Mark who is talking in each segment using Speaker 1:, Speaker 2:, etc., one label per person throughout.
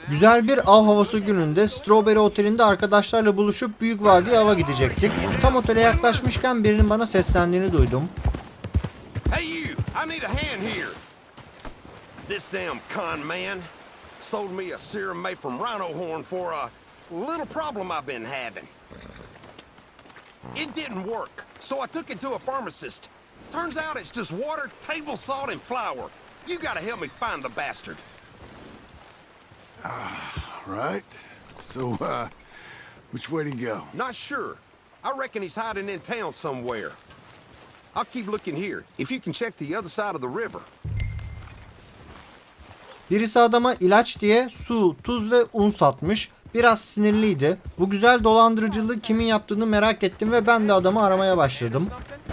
Speaker 1: Güzel bir av havası gününde Strawberry Oteli'nde arkadaşlarla buluşup Büyük Vadi'ye ava gidecektik. Tam otele yaklaşmışken birinin bana seslendiğini duydum.
Speaker 2: Hey you, I need a hand here. This damn con man sold me a serum made from rhino horn for a little problem I've been having. It didn't work, so I took it to a pharmacist. Turns out it's just water, table salt, and flour. You gotta help me find the bastard.
Speaker 3: Right. So, which way to go?
Speaker 2: Not sure. I reckon he's hiding in town somewhere. I'll keep looking here. If you can check the other side of the river.
Speaker 1: Birisi adama ilaç diye su, tuz ve un satmış. Biraz sinirliydi. Bu güzel dolandırıcılığı kimin yaptığını merak ettim ve ben de adamı aramaya başladım.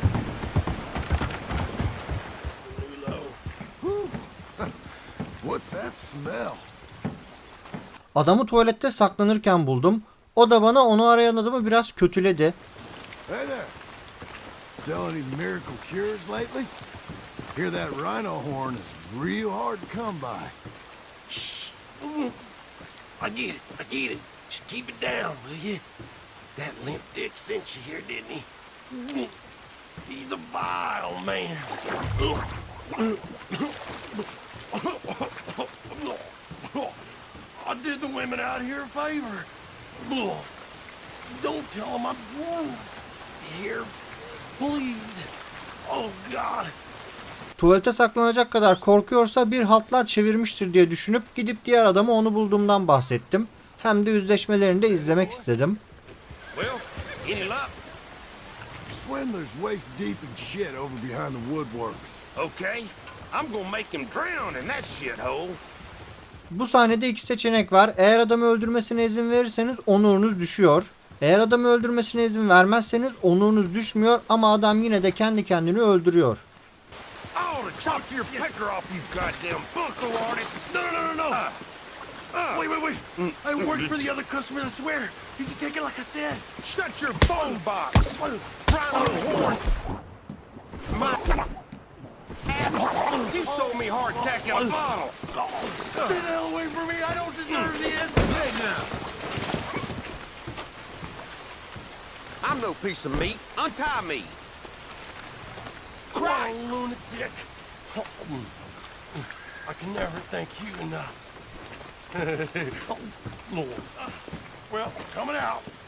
Speaker 3: What's that smell?
Speaker 1: Adamı tuvalette saklanırken buldum. O da bana onu arayan adamı biraz kötüledi.
Speaker 3: Hey there. Sell any miracle cures lately? Hear that rhino horn is real hard to come by.
Speaker 4: I get it. Just keep it down, will you? That limp dick sent you here, didn't he? He's a vile man. I did the women out here a favor. Don't tell them I'm here, please. Oh God.
Speaker 1: Tuvalete saklanacak kadar korkuyorsa bir haltlar çevirmiştir diye düşünüp gidip diğer adama onu bulduğumdan bahsettim. Hem de yüzleşmelerini de izlemek istedim.
Speaker 2: Well, any luck?
Speaker 3: Swindler's waist deep in shit over behind the woodworks.
Speaker 2: Okay. I'm gonna make him drown in that shithole.
Speaker 1: Bu sahnede iki seçenek var. Eğer adamı öldürmesine izin verirseniz onurunuz düşüyor. Eğer adamı öldürmesine izin vermezseniz onurunuz düşmüyor ama adam yine de kendi kendini öldürüyor.
Speaker 2: I ought to chop your pecker off, you goddamn bunko artist.
Speaker 4: No. Wait. I worked for the other customers, I swear. Did you take it like I said?
Speaker 2: Shut your phone box. Rhino horn. My ass. You sold me hardtack in a bottle.
Speaker 4: Stay the hell away from me. I don't deserve this.
Speaker 2: Hey now. I'm no piece of meat. Untie me.
Speaker 4: Christ. Lunatic. I can never thank you enough. Well, coming out.